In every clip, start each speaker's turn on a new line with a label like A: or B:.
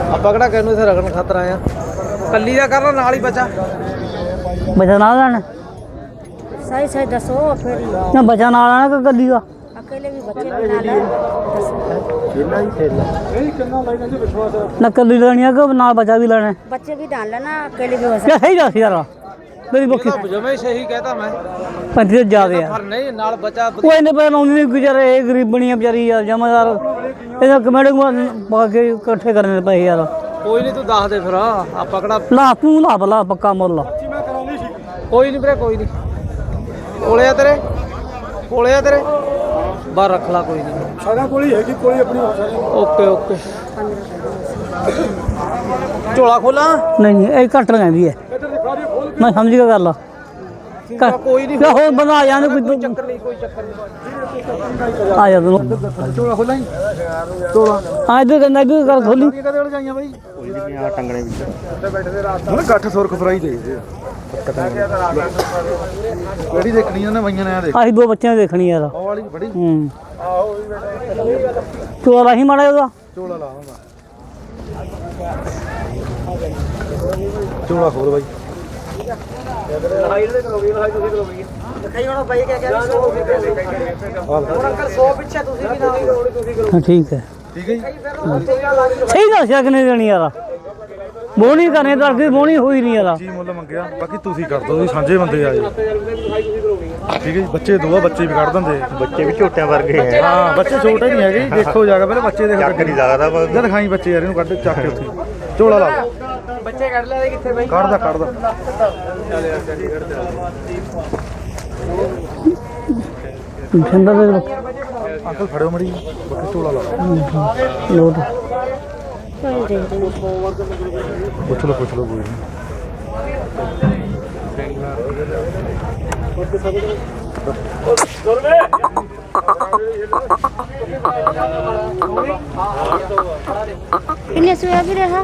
A: ਆਪਾਂ ਕਿਹੜਾ ਕਿਹਨੂੰ ਇੱਥੇ ਰਗਣ ਖਾਤਰ ਆਏ ਆ। ਕੱਲੀ ਦਾ ਕਰ ਲਾ ਨਾਲ ਹੀ ਬੱਚਾ
B: ਨਾਲ ਲੈਣਾ
C: सही सही दसो फिर
B: ਨਾ ਬੱਚਾ ਨਾਲ ਆਣਾ ਕਿ ਕੱਲੀ ਦਾ
C: अकेले भी बच्चे भी ना ले दसो
B: ਨਾ ਕੱਲੀ ਲੈਣੀ ਆ ਕਿ ਨਾਲ ਬੱਚਾ ਵੀ ਲੈਣਾ
C: बच्चे भी डाल लेना अकेले भी हो
B: ਕਿਆ ਸਹੀ ਦੱਸ ਯਾਰ ਮੇਰੀ ਬੱਕੀ
A: ਜਮੇ ਸਹੀ ਕਹਿਤਾ ਮੈਂ
B: 35 ਜ਼ਿਆਦੇ ਆ
A: ਪਰ ਨਹੀਂ ਨਾਲ ਬੱਚਾ
B: ਉਹ ਇਹਨੇ ਪੈ ਲਾਉਂਦੀ ਨਹੀਂ ਗੁਜ਼ਾਰੇ ਇਹ ਗਰੀਬਣੀ ਆ ਵਿਚਾਰੀ ਯਾਰ ਜਮਾਦਾਰ ਇਹਦਾ ਕਮੇਟੀ ਪਾ ਕੇ ਇਕੱਠੇ ਕਰਨੇ ਪਏ ਯਾਰ
A: ਕੋਈ ਨਹੀਂ ਤੂੰ ਦੱਸ ਦੇ ਫਿਰ ਆਪਾਂ ਕਿਹੜਾ
B: ਲਾ ਤੂੰ ਲਾ ਭਲਾ ਪੱਕਾ ਮੁੱਲ
A: ਕੋਈ ਨਹੀਂ ਵੀਰੇ ਕੋਈ ਨਹੀਂ ਕੋਲੇ ਆ ਤੇਰੇ ਬਾਹਰ ਰੱਖ ਲਾ ਕੋਈ ਨਹੀਂ
D: ਸਾਡਾ ਕੋਲੀ ਹੈਗੀ ਕੋਲੀ ਆਪਣੀ
A: ਓਕੇ ਓਕੇ ਝੋਲਾ ਖੋਲਾਂ
B: ਨਹੀਂ ਇਹ ਘੱਟ ਲੈਂਦੀ ਹੈ ਮੈਂ ਸਮਝ ਗਿਆ ਗੱਲ
A: ਕੋਈ ਨਹੀਂ
B: ਹੋਰ ਬੰਦਾ ਆ ਜਾਂਦੇ ਕੋਈ
A: ਚੱਕਰ ਨਹੀਂ ਕੋਈ ਚੱਕਰ ਨਹੀਂ
B: ਆ ਜਾ ਤੂੰ
A: ਝੋਲਾ ਖੋਲਾਂ ਝੋਲਾ
B: ਆ ਇਧਰ ਕਹਿੰਦਾ ਇਧਰ ਕਰ ਖੋਲੀ
A: ਕਦੇ ਵੇਲੇ ਜਾਈਆਂ ਬਾਈ
D: ਕੋਈ ਨਹੀਂ ਆ ਟੰਗਣੇ ਵਿੱਚ ਬੈਠੇ ਦੇ ਰਾਤ ਨੂੰ ਗੱਠ ਸੁਰਖ ਫਰਾਈ ਚਾਹੀਦੇ ਕਿਹੜੀ ਦੇਖਣੀ ਉਹਨੇ ਬਈਆਂ ਨੇ ਆ ਦੇਖ
B: ਅਸੀਂ ਦੋ ਬੱਚਿਆਂ ਨੂੰ ਦੇਖਣੀ ਯਾਰ
D: ਉਹ ਵਾਲੀ ਬੜੀ
B: ਹੂੰ
D: ਆਹੋ
B: ਚੋਲਾ ਹੀ ਮਾੜਾ ਉਹਦਾ
D: ਝੋਲਾ ਲਾਵਾਂਗਾ ਝੋਲਾ ਖੋਲ ਬਾਈ
A: ਲੜਾਈ ਦੇ ਕਰੋਗੇ ਲੜਾਈ ਤੁਸੀਂ ਕਰੋਗੇ ਦਿਖਾਈ ਹੁਣ ਬਾਈ ਕਿਆ ਕਹਿ ਰਹੇ 100 ਹੁਣ ਅੰਕਲ 100 ਪਿੱਛੇ ਤੁਸੀਂ ਵੀ ਨਾਲ ਤੁਸੀਂ ਕਰੋ
B: ਹਾਂ ਠੀਕ ਹੈ
D: ਠੀਕ ਹੈ ਜੀ
B: ਸਹੀ ਦੱਸਿਆ ਕਿ ਨਹੀਂ ਦੇਣੀ ਯਾਰ ਬੋਣੀ ਕਰਨੇ ਤਾਂ ਅੱਗੇ ਬੋਣੀ ਹੋਈ ਨਹੀਂ ਯਾਰ
D: ਜੀ ਮੁੱਲ ਮੰਗਿਆ ਬਾਕੀ ਤੁਸੀਂ ਕਰ ਦੋ ਤੁਸੀਂ ਸਾਂਝੇ ਬੰਦੇ ਆ ਜੀ ਠੀਕ ਹੈ ਜੀ ਬੱਚੇ ਦੋ ਆ ਬੱਚੇ ਵੀ ਕੱਢ ਦਿੰਦੇ
E: ਬੱਚੇ ਵੀ ਝੋਟਿਆਂ ਵਰਗੇ ਹੈ
D: ਹਾਂ ਬੱਚੇ ਛੋਟੇ ਨਹੀਂ ਹੈਗੇ ਜੀ, ਦੇਖੋ ਜਾ ਕੇ ਪਹਿਲੇ ਬੱਚੇ ਦੇਖੋ
E: ਚੱਕ ਨਹੀਂ ਸਕਦਾ ਪਰ
D: ਜਦ ਦਿਖਾਈ ਬੱਚੇ ਯਾਰ ਇਹਨੂੰ ਕੱਢ ਚੱਕ ਕੇ ਉੱਥੇ ਝੋਲਾ ਲਾ
A: ਬੱਚੇ ਕੱਢ ਲਿਆ ਕਿੱਥੇ ਬਾਈ
D: ਕੱਢਦਾ
B: ਠੰਡਾ ਦੇ
D: ਅੰਕਲ ਫੜਿਓ ਮੜੀ ਬੱਕੇ ਝੋਲਾ ਲਾ
B: ਲੋਟ
D: ਪੁੱਛ ਲਓ ਕੋਈ ਨਹੀਂ
C: इन्हें सोया भी रहा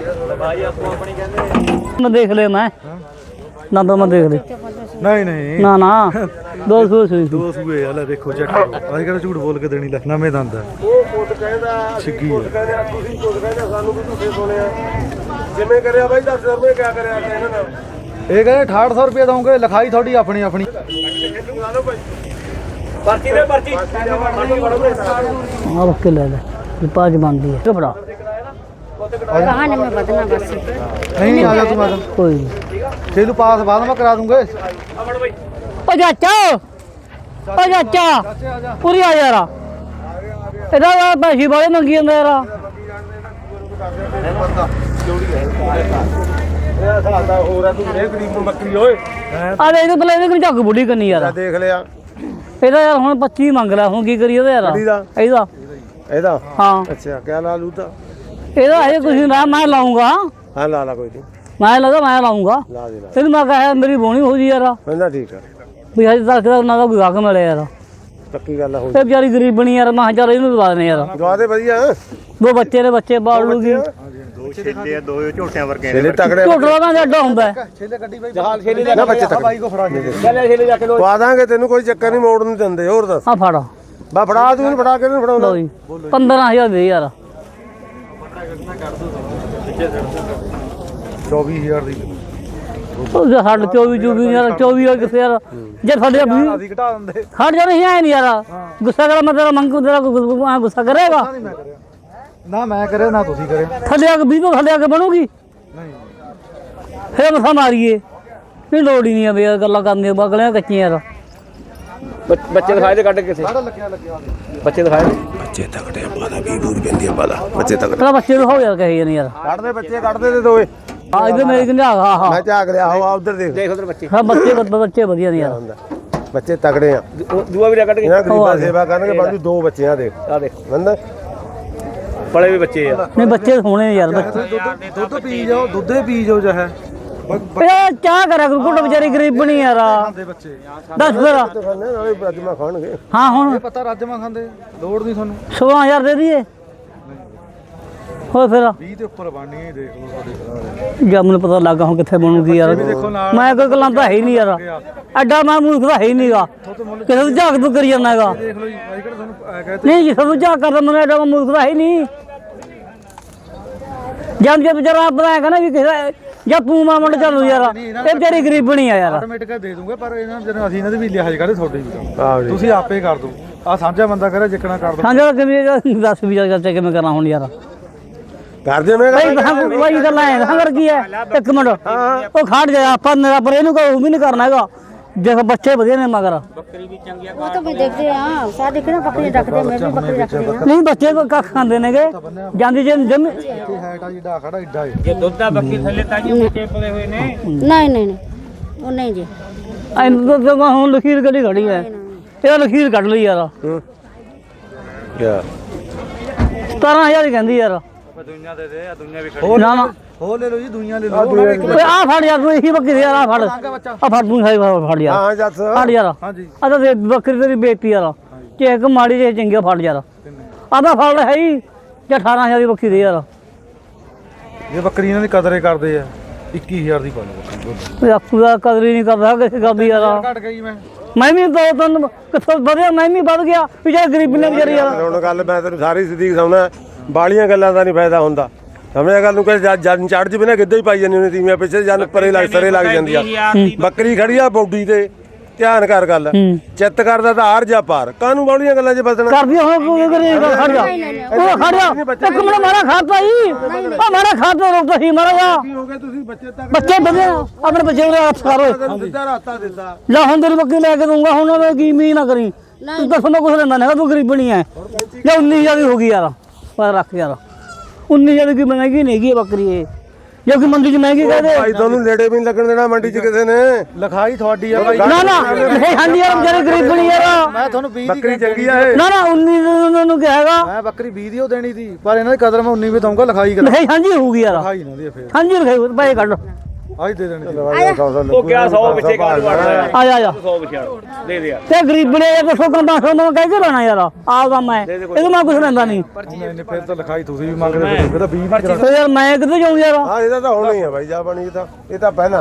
B: ਮੈਂ ਦੇਖ ਲਿਆ ਮੈਂ ਨਾ ਤਾਂ ਮੈਂ ਦੇਖ ਲਿਆ
D: ਨਹੀਂ
B: ਨਾ ਨਾ 200 ਸੂਈ
D: ਦੋ ਸੂਏ ਆ ਲੈ ਦੇਖੋ ਚੈੱਕ ਕਰੋ ਅਸੀਂ ਕਿਹੜਾ ਝੂਠ ਬੋਲ ਕੇ ਦੇਣੀ ਲੈ ਨਵੇਂ ਦੰਦ ਆ ਉਹ ਪੁੱਤ ਕਹਿੰਦਾ ਛਿੱਗੀ ਆ ਤੁਸੀਂ ਪੁੱਤ ਕਹਿੰਦਾ ਸਾਨੂੰ ਵੀ ਤੁਸੀਂ ਸੁਣਿਆ ਜਿਵੇਂ ਕਰਿਆ ਬਾਈ ਦੱਸ ਰੁਪਏ ਕਿਆ ਕਰਿਆ ਇਹਨਾਂ ਨਾਲ ਇਹ ਕਹਿੰਦੇ 6800 ਰੁਪਏ ਦਵਾਂਗੇ ਲਿਖਾਈ ਤੁਹਾਡੀ ਆਪਣੀ
A: ਪਰਚੀ ਦੇ ਪਰਚੀ
B: ਆ ਰੱਖ ਕੇ ਲੈ ਲੈ ਇਹ ਪਾਜ ਬਣਦੀ ਹੈ ਕਪੜਾ
C: कहाँ में बदना बस
D: ਨਹੀਂ ਆ ਜਾ ਤੂੰ ਆ ਜਾ
B: ਕੋਈ ਨਹੀਂ
D: ਜੇ ਤੂੰ ਪਾਸ ਬਾਅਦ ਮੈਂ ਕਰਾ ਦੂੰਗੇ
B: ਓ ਚਾਚਾ ਓ ਚਾਚਾ ਪੂਰੀ ਆ ਯਾਰ ਇਹਦਾ ਪੈਸੇ ਵਾਲੇ ਮੰਗੀ ਜਾਂਦਾ ਯਾਰ
D: ਇਹ ਸਾਡਾ ਹੋਰ ਆ ਤੂੰ ਇਹ ਗਰੀਬ ਬੱਕਰੀ ਓਏ
B: ਆ ਦੇ ਇਹਦੇ ਪਹਿਲਾਂ ਇਹਦੇ ਝੱਗ ਬੁੱਢੀ ਕਰਨੀ ਯਾਰ
D: ਦੇਖ ਲਿਆ
B: ਇਹਦਾ ਯਾਰ ਹੁਣ 25 ਮੰਗ ਲਿਆ ਹੁਣ ਕੀ ਕਰੀਏ ਉਹਦਾ ਯਾਰ ਇਹਦਾ
D: ਇਹਦਾ
B: ਹਾਂ
D: ਅੱਛਾ ਕਿਆ ਲਾ ਲੂ ਤਾਂ
B: ਇਹਦਾ ਹਜੇ ਕੁਝ ਨਾ ਮੈਂ ਲਾਉਂਗਾ
D: ਹਾਂ ਲਾ ਕੋਈ ਨਹੀਂ
B: ਮੈਂ ਲਾਉਂਗਾ
D: ਲਾ ਦੇ
B: ਤੈਨੂੰ ਮੈਂ ਕਿਹਾ ਮੇਰੀ ਬੋਣੀ ਹੋ ਜੀ ਯਾਰ
D: ਕਹਿੰਦਾ ਠੀਕ ਆ
B: ਵੀ ਹਜੇ ਤੱਕ ਦਾ ਉਹਨਾਂ ਦਾ ਕੋਈ ਹੱਕ ਮਿਲਿਆ ਯਾਰ
D: ਪੱਕੀ ਗੱਲ ਹੋ
B: ਇਹ ਵਿਚਾਰੀ ਗਰੀਬ ਬਣੀ ਯਾਰ ਮੈਂ ਚੱਲ ਇਹਨੂੰ ਦਵਾ ਦੇਣੇ ਯਾਰ
D: ਦਵਾ ਦੇ ਵਧੀਆ
B: ਦੋ ਬੱਚੇ ਨੇ ਬੱਚੇ ਬਾਲ ਲੂਗੀ
E: ਦੋ ਛੇਲੇ ਆ ਦੋ ਝੋਟਿਆਂ ਵਰਗੇ
D: ਛੇਲੇ ਤਕੜੇ
B: ਝੋਟਲਾ ਦਾ ਜੱਡਾ ਹੁੰਦਾ ਹੈ।
D: ਛੇਲੇ ਗੱਡੀ ਬਾਈ ਜਹਾਲ ਛੇਲੇ ਲੈ ਬੱਚੇ ਤੱਕ ਬਾਈ ਕੋ ਫੜਾ ਦੇ
A: ਚੱਲੇ ਛੇਲੇ ਜਾ ਕੇ ਲੋ
D: ਪਾ ਦਾਂਗੇ ਤੈਨੂੰ ਕੋਈ ਚੱਕਰ ਨਹੀਂ ਮੋੜ ਨਹੀਂ ਦਿੰਦੇ ਹੋਰ ਦੱਸ
B: ਆ ਫੜ
D: ਬਾ ਫੜਾ ਤੂੰ ਫੜਾ ਕੇ ਨਹੀਂ ਫੜਾਉਣਾ
B: ਲਓ ਜੀ 15000 ਦੇ ਯਾਰ
D: 24000 ਦੀ
B: ਉਹ ਸਾਡੇ 24 ਯਾਰ 24 ਕਿੱਥੇ ਯਾਰ ਜੇ ਸਾਡੇ
D: ਅਸੀਂ ਘਟਾ ਦਿੰਦੇ
B: ਖੜ ਜਾ ਨਹੀਂ ਆਏ ਨਹੀਂ ਯਾਰ ਗੁੱਸਾ ਕਰ ਮੈਂ ਤੇਰਾ ਮੰਗੂ ਤੇਰਾ ਗੁੱਸਾ ਕਰੇਗਾ
D: ਨਹੀਂ ਮੈਂ ਕਰਿਆ ਨਾ ਮੈਂ ਕਰਿਆ ਨਾ ਤੁਸੀਂ ਕਰਿਆ
B: ਥੱਲੇ ਆ ਕੇ 20 ਤੋਂ ਥੱਲੇ ਆ ਕੇ ਬਣੂਗੀ
D: ਨਹੀਂ
B: ਫੇਰ ਮਸਾ ਮਾਰੀਏ ਨਹੀਂ ਲੋੜ ਹੀ ਨਹੀਂ ਆ ਵੀ ਯਾਰ ਗੱਲਾਂ ਕਰਨੀਆਂ ਬਗਲਿਆਂ ਕੱਚੀਆਂ ਯਾਰ
A: ਬੱਚੇ ਦਿਖਾਏ ਤੇ ਕੱਢ ਕਿਸੇ
D: ਸਾਡਾ ਲੱਗਿਆ
A: ਬੱਚੇ ਦਿਖਾਏ
D: ਬੱਚੇ ਤਕੜੇ ਆ ਬਾਲਾ 20 ਦੂਰ ਪੈਂਦੀ ਆ ਬਾਲਾ ਬੱਚੇ ਤਕੜੇ
B: ਤੇਰਾ ਬੱਚੇ ਨੂੰ ਹੋ ਯਾਰ ਕਹੇ ਨਹੀਂ ਯਾਰ
D: ਕੱਢਦੇ ਬੱਚੇ ਕੱਢਦੇ ਤੇ ਦੋਏ
B: ਆ ਇਧਰ ਮੇਰੇ ਕਿੰਨੇ ਆ ਹਾਂ
D: ਮੈਂ ਝਾਕ ਲਿਆ ਆ ਉਧਰ ਦੇਖ
A: ਦੇਖ ਉਧਰ ਬੱਚੇ
B: ਹਾਂ ਬੱਚੇ ਵਧੀਆ ਨੇ ਯਾਰ
D: ਬੱਚੇ ਤਕੜੇ ਆ
A: ਦੂਆ ਵੀ ਕੱਢ ਕੇ
D: ਇਹਨਾਂ ਗਰੀਬਾਂ ਸੇਵਾ ਕਰਨਗੇ ਬਾਕੀ ਦੋ ਬੱਚੇ ਆ ਦੇਖ
A: ਆ ਦੇਖ
D: ਬੰਦਾ
A: ਬੜੇ ਵੀ ਬੱਚੇ ਆ
B: ਨਹੀਂ ਬੱਚੇ ਸੋਹਣੇ ਯਾਰ ਬੱਚੇ
D: ਦੁੱਧ ਪੀ ਜਾਓ ਦੁੱਧੇ ਪੀ ਜਾਓ ਚਾਹੇ
B: ਇਹ ਚਾਹ ਕਰਿਆ ਕਰੂ ਕੁੱਟ ਵਿਚਾਰੀ ਗਰੀਬ ਬਣੀ ਯਾਰ
D: ਖਾਂਦੇ ਬੱਚੇ
B: ਦੱਸ ਫਿਰ
D: ਖਾਣੇ ਨਾਲੇ ਰਾਜਮਾ ਖਾਣਗੇ
B: ਹਾਂ ਹੁਣ
D: ਪਤਾ ਰਾਜਮਾ ਖਾਂਦੇ ਲੋੜ ਨਹੀਂ ਤੁਹਾਨੂੰ
B: 16000 ਦੇ ਦਈਏ ਹੋਰ ਫਿਰ
D: 20 ਦੇ ਉੱਪਰ ਬਣਨੀ ਦੇਖ ਲਓ ਸਾਡੇ
B: ਜਦ ਮੈਨੂੰ ਪਤਾ ਲੱਗਾ ਹੁਣ ਕਿੱਥੇ ਬਣੂਗੀ ਯਾਰ ਮੈਂ ਕੋਈ ਗੱਲਾਂ ਤਾਂ ਹੈ ਹੀ ਨਹੀਂ ਯਾਰ ਐਡਾ ਮੈਂ ਮੂਰਖ ਤਾਂ ਹੈ ਹੀ ਨਹੀਂਗਾ ਕਿਸੇ ਨੂੰ ਝਾਕ ਤੂੰ ਕਰੀ ਜਾਂਦਾ ਹੈਗਾ
D: ਦੇਖ ਲਓ ਜੀ ਅਸੀਂ ਕਿਹੜਾ ਤੁਹਾਨੂੰ ਕਹਿ
B: ਨਹੀਂ ਕਿਸੇ ਨੂੰ ਝਾਕ ਕਰਦਾ ਮੈਨੂੰ ਐਡਾ ਮੈਂ ਮੂਰਖ ਤਾਂ ਹੈ ਹੀ ਨਹੀਂ ਜਦ ਜੇ ਵਿਚਾਰਾ ਆਪਣਾ ਕਹਿੰਦਾ ਵੀ ਕਿਸੇ ਜਾਂ ਤੂੰ ਮਾ ਮੁੰਡ ਚੱਲੂ ਯਾਰ ਇਹ ਤੇਰੀ ਗਰੀਬਣੀ ਆ ਯਾਰ
D: ਆਟੋਮੈਟਿਕ ਦੇ ਦੂੰਗੇ ਪਰ ਇਹਨਾਂ ਜਦੋਂ ਅਸੀਂ ਇਹਨਾਂ ਦੇ ਵੀ ਲਿਹਾਜ਼ ਕਰਦੇ ਤੁਹਾਡੇ ਵੀ ਤੁਸੀਂ ਆਪੇ ਕਰ ਦੋ ਆ ਸਾਂਝਾ ਬੰਦਾ ਕਰੇ ਜਿੱਕਣਾ ਕਰ ਦੋ
B: ਸਾਂਝਾ ਕਿਵੇਂ ਦੱਸ ਵੀ ਜਾ ਚਾਚਾ ਕਿਵੇਂ ਕਰਨਾ ਹੁਣ ਯਾਰ
D: ਕਰਦੇ ਮੈਂ
B: ਬਾਈ ਗੱਲਾਂ ਐ ਹੰਗਰ ਕੀ ਐ ਇੱਕ ਮਿੰਟ ਉਹ ਖੜ ਜਾ ਆਪਾਂ ਪਰ ਇਹਨੂੰ ਕੋਈ ਵੀ ਨਹੀਂ ਕਰਨਾ ਹੈਗਾ ਦੇਖ ਬੱਚੇ ਵਧੀਆ ਨੇ ਮਗਰ
C: वो तो मैं देखते हैं हाँ शादी के ना बकरी रखते मैं भी बकरी रखती हूँ
B: ਨਹੀਂ ਬੱਚੇ ਕੋ ਕੱਖ ਖਾਂਦੇ ਨੇਗੇ ਜਾਂਦੀ ਜੇ ਜੰਮ
D: ਹੈਟ ਆ ਜਿਹੜਾ ਖੜਾ ਏਡਾ ਏ
C: नहीं नहीं नहीं वो नहीं जी
B: ਐਂ ਤਾਂ ਹੁਣ ਲਖੀਰ ਕੱਢੀ ਖੜੀ ਐ ਇਹ ਲਖੀਰ ਕੱਢ ਲਈ ਯਾਰ
D: ਕਿਆ
B: 17000 ਹੀ ਕਹਿੰਦੀ ਯਾਰ ਨਾ ਨਾ
D: ਹੋ ਲੈ ਲਓ ਜੀ ਦੁਨੀਆ ਲੈ ਲਓ
B: ਓਏ ਆ ਫੜ ਯਾਰ ਤੂੰ ਇਹੀ ਬੱਕਰੀ ਯਾਰ ਆ ਫੜ ਆ ਫੜ ਤੂੰ ਸਾਈ ਫੜ ਯਾਰ
D: ਹਾਂ ਜੱਸ
B: ਫੜ ਯਾਰ
D: ਹਾਂਜੀ
B: ਆ ਤਾਂ ਬੱਕਰੀ ਤੇਰੀ ਬੇਇੱਜ਼ਤੀ ਯਾਰ ਚੇਕ ਮਾੜੀ ਜੇ ਚੰਗੀ ਫੜ ਯਾਰ ਆ ਤਾਂ ਫੜ ਹੈ ਹੀ ਜਾਂ 18000 ਦੀ ਬੱਕਰੀ ਦੇ ਯਾਰ
D: ਇਹ ਬੱਕਰੀ ਇਹਨਾਂ ਦੀ ਕਦਰੇ ਕਰਦੇ ਆ 21000 ਦੀ ਪਾ ਲਓ ਬੱਕਰੀ
B: ਓਏ ਆਪੂ ਦਾ ਕਦਰ ਹੀ ਨਹੀਂ ਕਰਦਾ ਕਿਸੇ ਗੱਲ ਦੀ ਯਾਰ
D: ਘਟ ਗਈ
B: ਮੈਂ ਵੀ ਦੋ ਤਿੰਨ ਕਿੱਥੋਂ ਵਧਿਆ ਮੈਂ ਵੀ ਵੱਧ ਗਿਆ ਵੀ ਜੇ ਗਰੀਬੀ ਨੇ ਵਿਚਾਰੀ ਯਾਰ
F: ਹੁਣ ਗੱਲ ਮੈਂ ਤੈਨੂੰ ਸਾਰੀ ਸਿੱਧੀ ਸਮਝਾਉਣਾ ਬਾਲੀਆਂ ਗੱਲਾਂ ਦਾ ਨਹੀਂ ਫਾਇਦਾ ਹੁੰਦਾ ਸਮਝਿਆ ਗੱਲ ਨੂੰ ਕਿ ਜਨ ਚੜ ਜਵੇ ਨਾ ਕਿੱਦਾਂ ਹੀ ਪਾਈ ਜਾਂਦੀ ਉਹਨੇ ਤੀਵੀਆਂ ਪਿੱਛੇ ਜਨ ਪਰੇ ਲੱਗ ਸਰੇ ਲੱਗ ਜਾਂਦੀ ਆ ਬੱਕਰੀ ਖੜੀ ਆ ਬੌਡੀ ਤੇ ਧਿਆਨ ਕਰ ਗੱਲ ਚਿੱਤ ਕਰਦਾ ਤਾਂ ਹਾਰ ਜਾ ਪਾਰ ਕਾਹਨੂੰ ਬਾਲੀਆਂ ਗੱਲਾਂ 'ਚ ਬਸਣਾ
B: ਕਰਦੀ ਹੁਣ ਕੋਈ ਕਰੇ ਖੜ ਜਾ ਉਹ ਖੜ ਜਾ ਇੱਕ ਮਿੰਟ ਮਾਰਾ ਖਾਤਾ ਹੀ ਉਹ ਮਾਰਾ ਖਾਤਾ ਰੋਕਦਾ ਸੀ ਮਾਰਾ ਜਾ
F: ਹੋ ਗਏ ਤੁਸੀਂ ਬੱਚੇ ਤੱਕ
B: ਬੱਚੇ ਵਧੀਆ ਆਪਣੇ ਬੱਚੇ ਨੂੰ ਹੱਥ ਕਰੋ
F: ਦਿੱਤਾ ਰਾਤਾ ਦਿੱਤਾ
B: ਲੈ ਹੁਣ ਤੇਰੀ ਬੱਕਰੀ ਲੈ ਕੇ ਦੂੰਗਾ ਹੁਣ ਉਹਨੇ ਕੀ ਮੀ ਨਾ ਕਰੀ ਤੂੰ ਤਾਂ ਸੁਣੋ ਕੁਛ ਲੈਂਦਾ ਨਹੀਂ ਤੂੰ ਗਰੀਬਣੀ ਐ ਲੈ 19000 ਦੀ ਹੋ ਗਈ ਯਾਰ ਪਰ ਰੱਖ ਯਾਰ 19000 ਦੀ ਮਹਿੰਗੀ ਨਹੀਂ ਹੈਗੀ ਬੱਕਰੀ ਇਹ ਜੋ ਕਿ ਮੰਡੀ 'ਚ ਮਹਿੰਗੀ ਕਹਦੇ
F: ਭਾਈ ਤੁਹਾਨੂੰ ਨੇੜੇ ਵੀ ਨਹੀਂ ਲੱਗਣ ਦੇਣਾ ਮੰਡੀ 'ਚ ਕਿਸੇ ਨੇ
D: ਲਿਖਾਈ ਤੁਹਾਡੀ ਆ ਭਾਈ
B: ਨਾ ਨਾ ਨਹੀਂ ਹਾਂਜੀ ਯਾਰ ਵਿਚਾਰੇ ਗਰੀਬਣੀ ਯਾਰ
D: ਮੈਂ ਤੁਹਾਨੂੰ 20 ਦੀ
F: ਬੱਕਰੀ ਚੰਗੀ ਆ ਇਹ
B: ਨਾ ਨਾ 19 ਨੂੰ ਕਿਹਾ ਹੈਗਾ
D: ਮੈਂ ਬੱਕਰੀ 20 ਦੀ ਉਹ ਦੇਣੀ ਸੀ ਪਰ ਇਹਨਾਂ ਦੀ ਕਦਰ ਮੈਂ 19 ਵੀ ਦਊਂਗਾ ਲਿਖਾਈ ਕਰ
B: ਨਹੀਂ ਹਾਂਜੀ ਹੋਊਗੀ ਯਾਰ
D: ਲਿਖਾਈ ਨਾ ਦੀ ਫੇਰ
B: ਹਾਂਜੀ ਰਖਾਈ ਪੈਸੇ ਕੱਢ
D: ਅੱਜ ਦੇ ਦੇਣੀ ਸੀ
F: ਉਹ ਕਿਆ 100 ਪਿੱਛੇ ਕਾਲ ਵੜਦਾ
B: ਆ ਜਾ 100
F: ਦੇ ਦੇ
B: ਤੇ ਗਰੀਬਣੇ ਇਹ ਦੱਸੋ ਕੰਦਾ ਸੋ ਮੈਂ ਕਹਿ ਕੇ ਲੈਣਾ ਯਾਰ ਆਪਦਾ ਮੈਂ ਇਹਦੇ ਮੈਂ ਕੁਛ ਲੈਂਦਾ ਨਹੀਂ
D: ਨਹੀਂ ਫਿਰ ਤਾਂ ਲਿਖਾਈ ਤੁਸੀਂ ਵੀ ਮੰਗਦੇ ਫਿਰ ਤਾਂ 20 ਦੀ
B: ਤੇ ਯਾਰ ਮੈਂ ਕਿੱਥੇ ਜਾਊਂ ਯਾਰ
F: ਹਾਂ ਇਹਦਾ ਤਾਂ ਹੋਣਾ ਹੀ ਆ ਬਾਈ ਜਾ ਬਣੀ ਇਹ ਤਾਂ ਪਹਿਲਾਂ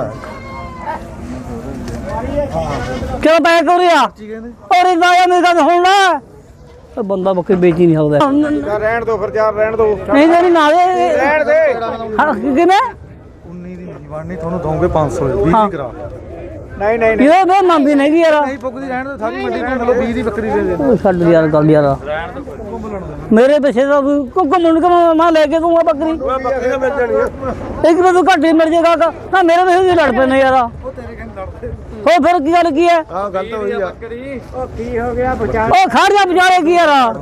B: ਕਿਉਂ ਪੈ ਕੋਰਿਆ
D: ਕੀ ਕਹਿੰਦੇ
B: ਔਰ ਇਹਦਾ ਯਾਰ ਮੇਰੀ ਗੱਲ ਸੁਣ ਲੈ ਇਹ ਬੰਦਾ ਬੱਕਰੀ ਵੇਚ ਹੀ ਨਹੀਂ ਸਕਦਾ
F: ਰਹਿਣ ਦੋ ਫਿਰ ਯਾਰ ਰਹਿਣ ਦੋ
B: ਨਹੀਂ ਤੇਰੀ ਨਾ ਦੇ ਰਹਿਣ ਦੇ ਕਿਵੇਂ
D: 19 ਦੀ ਨਹੀਂ ਬਣਨੀ ਤੁਹਾਨੂੰ ਦਊਂਗੇ 500 20 ਦੀ ਕਰਾ
B: ਇਹ ਮੈਂ ਮੰਨਦੀ ਨਹੀਂ ਯਾਰ
D: ਨਹੀਂ ਪੁੱਗਦੀ ਰਹਿਣ ਦੋ ਸਾਰੀ ਮੰਡੀ ਘੁੰਮ ਲਓ 20 ਦੀ ਬੱਕਰੀ ਦੇ ਦੇ
B: ਉਹ ਛੱਡ ਯਾਰ ਗੱਲ ਯਾਰ ਮੇਰੇ ਪਿੱਛੇ ਦਾ ਘੁੰਮਣ ਕੇ ਮੈਂ ਲੈ ਕੇ ਦੂੰਗਾ ਬੱਕਰੀ
F: ਬੱਕਰੀਆਂ ਮਿਲ ਜਾਣੀਆਂ
B: ਇੱਕ ਵਾਰ ਤੂੰ ਘੱਟ ਹੀ ਮਿਲ ਜੇਗਾ ਨਾ ਮੇਰੇ ਪਿੱਛੇ ਹੀ ਲੜ ਪੈਣੇ ਯਾਰ
D: ਉਹ ਤੇਰੇ ਕਹਿੰਦੇ ਲੜਦੇ
B: ਹੋ ਫਿਰ ਕੀ ਗੱਲ ਕੀ ਹੈ
F: ਆਹ ਗੱਲ ਤਾਂ ਹੋਈ ਆ
B: ਉਹ ਖੜ ਜਾ ਵਿਚਾਰੇ ਕੀ ਯਾਰ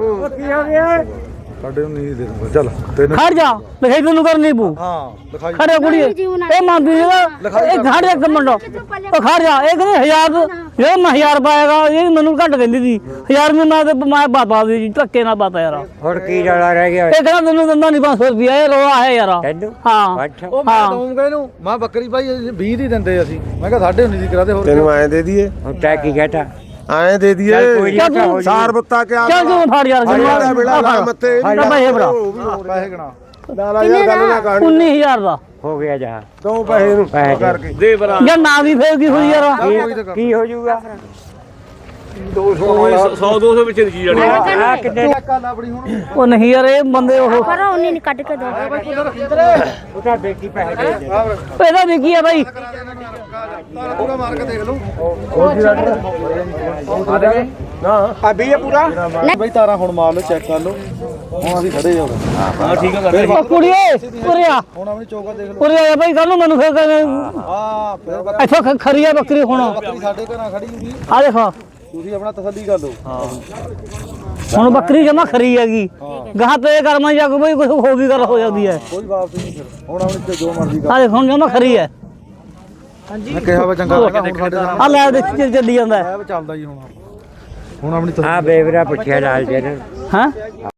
D: ਸਾਡੇ ਨੂੰ ਨਹੀਂ ਦੇ ਦੂੰਗਾ ਚੱਲ ਤੈਨੂੰ
B: ਖੜ ਜਾ ਲਿਖਾਈ ਤੈਨੂੰ ਕਰਨੀ ਪੂ
D: ਹਾਂ ਲਿਖਾਈ
B: ਖੜਿਆ ਕੁੜੀ ਇਹ ਮੰਨਦੀ ਇਹ ਖੜ ਜਾ ਕਮੰਡੋ ਉਹ ਖੜ ਜਾ ਇਹ ਕਹਿੰਦੇ 1000 ਇਹ ਮੈਂ 1000 ਪਾਏਗਾ ਇਹ ਮੈਨੂੰ ਘੱਟ ਕਹਿੰਦੀ ਸੀ 1000 ਮੈਂ ਤੇ ਮੈਂ ਬਾਬਾ ਦੀ ਧੱਕੇ ਨਾਲ ਬਾਤਾ ਯਾਰ
A: ਹੁਣ ਕੀ ਰੌਲਾ ਰਹਿ ਗਿਆ
B: ਇਹ ਕਹਿੰਦਾ ਤੈਨੂੰ ਦਿੰਦਾ ਨਹੀਂ 500 ਰੁਪਿਆ ਇਹ ਰੋਆ ਹੈ ਯਾਰ ਹਾਂ
D: ਉਹ ਮੈਂ ਦਊਂਗਾ ਇਹਨੂੰ ਮੈਂ ਬੱਕਰੀ ਭਾਈ 20 ਦੀ ਦਿੰਦੇ ਅਸੀਂ ਮੈਂ ਕਿਹਾ 19.5 ਦੀ ਕਰਾ ਦੇ ਹੋਰ
F: ਤੈਨੂੰ ਐਂ ਦੇ ਦਈਏ
A: ਤੈ ਕੀ ਕਹਤਾ
F: ਐਂ ਦੇ ਦਈਏ
B: ਚੱਲ ਤੂੰ
F: ਸਾਰ ਬੱਤਾ ਕਿਆ
B: ਚੱਲ ਤੂੰ ਫੜ ਯਾਰ
F: ਦਾ ਵੇਲਾ ਲਾ ਮੱਥੇ
B: ਤਾਂ ਪੈਸੇ ਫੜਾ
D: ਪੈਸੇ ਗਣਾ
F: ਦਾਲਾ ਯਾਰ ਗੱਲ ਨਾ ਕਰ
B: 19000 ਦਾ
A: ਹੋ ਗਿਆ ਜਾ
F: ਦੋ ਪੈਸੇ ਨੂੰ ਕਰਕੇ ਦੇ ਬਰਾ
B: ਜਾਂ ਨਾ ਵੀ ਫੇਰ ਕੀ ਹੋਈ ਯਾਰ
A: ਕੀ ਹੋ ਜਾਊਗਾ
F: 100 200 ਵਿੱਚ ਦੀ ਚੀਜ਼
A: ਆ ਕਿੰਨੇ
D: ਕੱਲ ਆਪਣੀ ਹੁਣ
B: ਉਹ ਨਹੀਂ ਯਾਰ ਇਹ ਬੰਦੇ ਉਹ
C: करो उन्हें नहीं काट के दो
A: ਉਹਦਾ ਬੇਕੀ ਪੈਸੇ ਦੇ ਦੇ
B: ਇਹਦਾ ਵੀ ਕੀ ਹੈ ਬਾਈ
D: ਤਾਰਾ ਪੂਰਾ ਮਾਰ ਕੇ ਦੇਖ ਲਓ
F: ਨਾ
A: ਆ ਵੀ ਇਹ ਪੂਰਾ
D: ਬਈ ਤਾਰਾ ਹੁਣ ਮਾਰ ਲਓ ਚੈੱਕ ਕਰ ਲਓ ਹੁਣ ਅਸੀਂ ਖੜੇ ਜਾਓ
F: ਹਾਂ ਠੀਕ ਆ
B: ਉਹ ਕੁੜੀਏ ਉਰੇ ਆ
D: ਹੁਣ ਆਪਣੀ ਚੌਕਾ ਦੇਖ ਲਓ
B: ਉਰੇ ਆ ਬਾਈ ਕੱਲ ਨੂੰ ਮੈਨੂੰ ਫੇਰ
D: ਹਾਂ ਫਿਰ
B: ਇੱਥੋਂ ਖਰੀ ਆ ਬੱਕਰੀ ਹੁਣ
D: ਬੱਕਰੀ ਸਾਡੇ ਘਰਾਂ ਖੜੀ ਹੁੰਦੀ
B: ਆ ਦੇਖੋ
D: ਤੁਸੀਂ ਆਪਣਾ ਤਸੱਲੀ ਕਰ ਲਓ
B: ਹੁਣ ਬੱਕਰੀ ਜਮਾ ਖਰੀ ਹੈਗੀ ਗਾਹ ਤੇ ਕਰਮਾਂ ਜਾ ਕੇ ਬਈ ਕੁਝ ਹੋ ਵੀ ਗੱਲ ਹੋ ਜਾਂਦੀ ਹੈ
D: ਕੋਈ ਵਾਪਸ ਨਹੀਂ ਫਿਰ ਹੁਣ ਆਪਣੀ ਤੇ ਜੋ ਮਰਜ਼ੀ ਕਰ
B: ਆ ਦੇਖ ਹੁਣ ਜਮਾ ਖਰੀ ਹੈ
D: ਮੈਂ ਕਿਹਾ ਵਾ ਚੰਗਾ ਲੱਗਾ ਹੁਣ ਸਾਡੇ
B: ਆ ਲੈ ਦੇਖ ਚੱਲੀ ਜਾਂਦਾ
D: ਚੱਲਦਾ ਜੀ ਹੁਣ ਆਪਣੀ
A: ਆ ਬੇਵਰਾ ਪੁੱਛਿਆ ਲਾਲ ਜੀ ਨੇ
B: ਹਾਂ